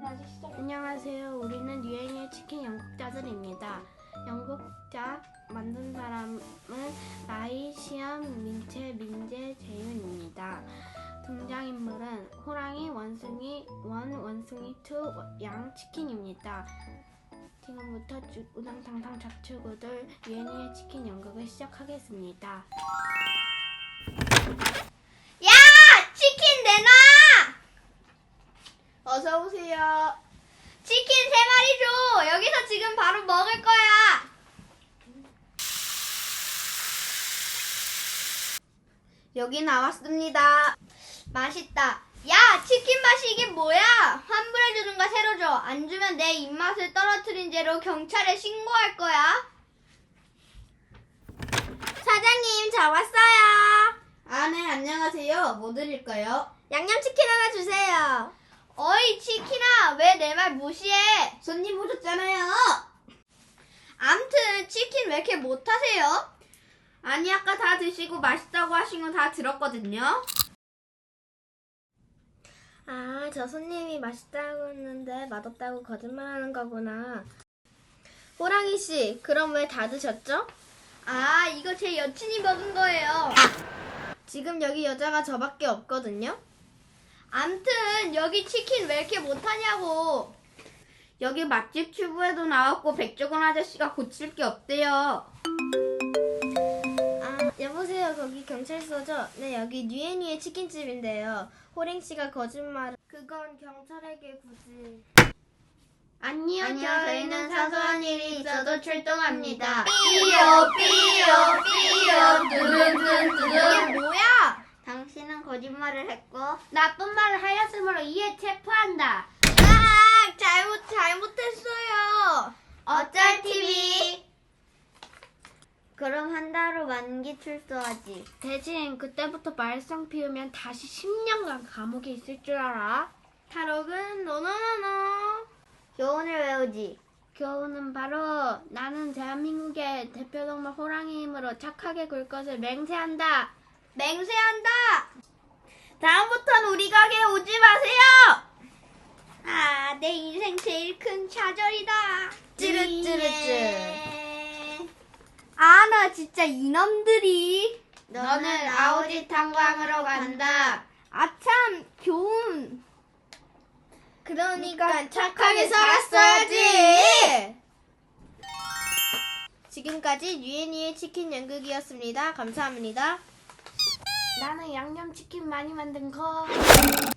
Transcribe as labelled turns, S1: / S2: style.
S1: 안녕하세요. 우리는 유행의 치킨 연극자들입니다. 연극자 만든 사람은 라이, 시암, 민채, 민재, 재윤입니다. 등장인물은 호랑이, 원숭이 1, 원숭이 2, 양, 치킨입니다. 지금부터 우당탕탕 좌충우돌 유엔이의 치킨 연극을 시작하겠습니다.
S2: 야! 치킨 내놔!
S1: 어서 오세요.
S2: 치킨 3마리 줘! 여기서 지금 바로 먹을 거야!
S1: 여기 나왔습니다.
S2: 맛있다. 야! 치킨 맛이 이게 뭐야? 환불해주든가 새로 줘. 안 주면 내 입맛을 떨어뜨린 죄로 경찰에 신고할 거야. 사장님, 저 왔어요.
S1: 아, 네, 안녕하세요. 뭐 드릴까요?
S2: 양념치킨 하나 주세요. 어이, 치킨아, 왜 내 말 무시해?
S1: 손님 오셨잖아요.
S2: 암튼 치킨 왜 이렇게 못하세요?
S1: 아니, 아까 다 드시고 맛있다고 하신 거 다 들었거든요.
S2: 아, 저 손님이 맛있다고 했는데 맛없다고 거짓말하는 거구나. 호랑이 씨, 그럼 왜 다 드셨죠? 아, 이거 제 여친이 먹은 거예요. 지금 여기 여자가 저밖에 없거든요. 암튼 여기 치킨 왜 이렇게 못하냐고.
S1: 여기 맛집 튜브에도 나왔고 백종원 아저씨가 고칠 게 없대요.
S2: 아, 여보세요. 거기 경찰서죠? 네, 여기 뉴에뉴의 치킨집인데요. 호랭 씨가 거짓말. 그건 경찰에게 굳이.
S1: 아니요,
S2: 저희는 사소한 일이 있어도 출동합니다.
S1: 삐요, 삐요, 삐요,
S2: 이게 뭐야?
S1: 당신은 거짓말을 했고 나쁜 말을 하였으므로 이에 체포한다.
S2: 아, 잘못했어요.
S1: 어쩔 TV.
S2: 그럼 한 달 후 만기 출소하지.
S1: 대신 그때부터 말썽 피우면 다시 10년간 감옥에 있을 줄 알아?
S2: 탈옥은 노노노노. 교훈을 외우지.
S1: 교훈은 바로 나는 대한민국의 대표동물 호랑이 힘으로 착하게 굴 것을 맹세한다.
S2: 맹세한다. 다음부턴 우리 가게에 오지 마세요. 아, 내 인생 제일 큰 좌절이다. 찌릿찌릿찌. 아, 나 진짜 이놈들이.
S1: 너는 아우지 탄광으로 간다.
S2: 아참, 교훈. 그러니까
S1: 착하게 살았어야지.
S2: 지금까지 유엔이의 치킨 연극이었습니다. 감사합니다.
S1: 나는 양념치킨 많이 만든 거.